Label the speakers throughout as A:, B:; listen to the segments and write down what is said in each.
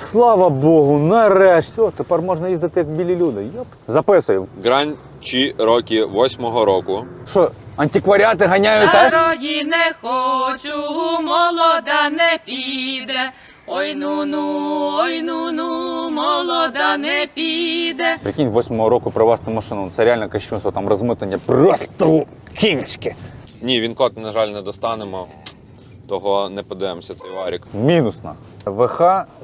A: слава Богу, нарешті. Все, тепер можна їздити як білі люди. Йоп. Записуй.
B: Grand Cherokee 8-го року.
A: Що, антикваріати ганяють теж?
C: Старої не хочу, молода не піде. Ой ну-ну, молода не піде.
A: Прикинь, 8-го року привезти машину. Це реально кощунство, там розмитнення просто кінське.
B: Ні, він код, на жаль, не достанемо. Того не подивимося цей варік.
A: Мінусна. ВХ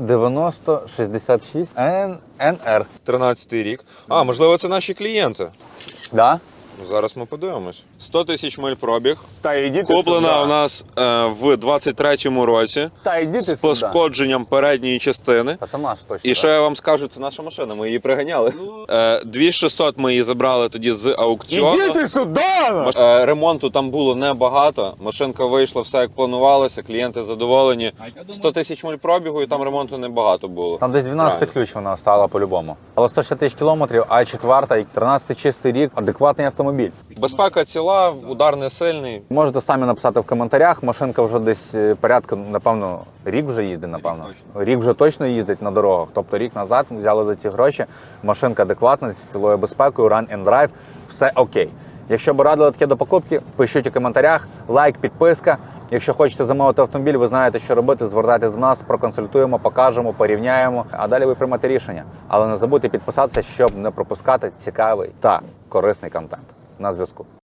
A: 9066 НР.
B: 13-й рік. А, можливо, це наші клієнти.
A: Да?
B: Ну, зараз ми подивимось. 100 тисяч миль пробіг.
A: Та йдіть
B: Куплена у нас в 23-му році.
A: Та йдіть
B: З пошкодженням передньої частини.
A: Та це наш точно.
B: І що я вам скажу, це наша машина, ми її приганяли. 2600 ми її забрали тоді з аукціону.
A: Ідіть сюди!
B: Ремонту там було небагато. Машинка вийшла все як планувалося, клієнти задоволені. 100 тисяч миль пробігу і там ремонту небагато було.
A: Там десь 12 ключ вона стала по-любому. Але 160 тисяч кілометрів, а 4-та, 13-й чистий рік, адекватний автомобіль.
B: Безпека ціла, удар не сильний.
A: Можете самі написати в коментарях, машинка вже десь порядка, напевно, рік вже їздить, напевно. Рік вже точно їздить на дорогах. Тобто рік назад ми взяли за ці гроші, машинка адекватна, з цілою безпекою, run and drive, все окей. Якщо б радили таке до покупки, пишіть у коментарях, лайк, підписка. Якщо хочете замовити автомобіль, ви знаєте, що робити, звертайтесь до нас, проконсультуємо, покажемо, порівняємо, а далі ви приймете рішення. Але не забудьте підписатися, щоб не пропускати цікавий та корисний контент. На зв'язку.